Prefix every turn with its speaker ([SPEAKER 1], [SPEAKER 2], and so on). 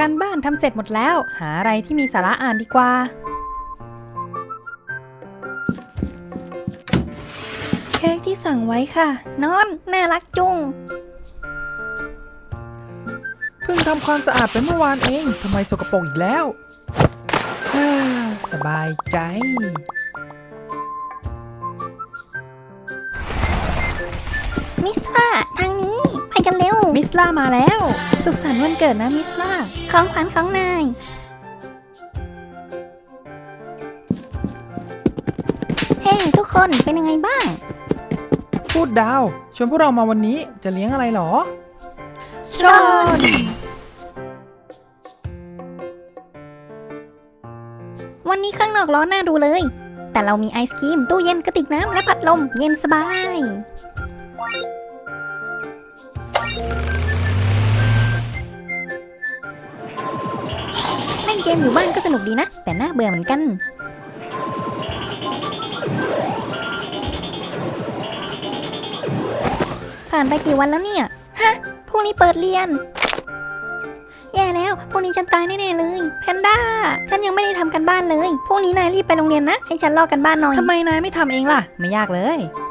[SPEAKER 1] การบ้านทำเสร็จหมดแล้วหาอะไรที่มีสาระอ่านดีกว่าเค้กที่สั่งไว้ค่ะนอนน่ารักจุง
[SPEAKER 2] เพิ่งทำความสะอาดไปเมื่อวานเองทำไมสกปรกอีกแล้วสบายใจ
[SPEAKER 3] มิสล่าทางนี้ไปกันเร็ว
[SPEAKER 1] มิสล่ามาแล้วสุขสันต์วันเกิดนะมิสล่า
[SPEAKER 3] ของขวัญของนายเฮ้ทุกคนเป็นยังไงบ้าง
[SPEAKER 2] พูดดาวชวนพวกเรามาวันนี้จะเลี้ยงอะไรหรอ
[SPEAKER 1] ชน
[SPEAKER 3] วันนี้ข้างนอกร้อนน่าดูเลย แต่เรามีไอศกรีมตู้เย็นกระติกน้ำและพัดลมเย็นสบายเล่นเกมอยู่บ้านก็สนุกดีนะแต่น่าเบื่อเหมือนกันผ่านไปกี่วันแล้วเนี่ยฮะพรุ่งนี้เปิดเรียนแย่แล้วพรุ่งนี้ฉันตายแน่ๆเลยแพนด้าฉันยังไม่ได้ทำกันบ้านเลยพรุ่งนี้นายรีบไปโรงเรียนนะให้ฉันลอกกันบ้านหน่อย
[SPEAKER 1] ทำไมนายไม่ทำเองล่ะไม่ยากเลย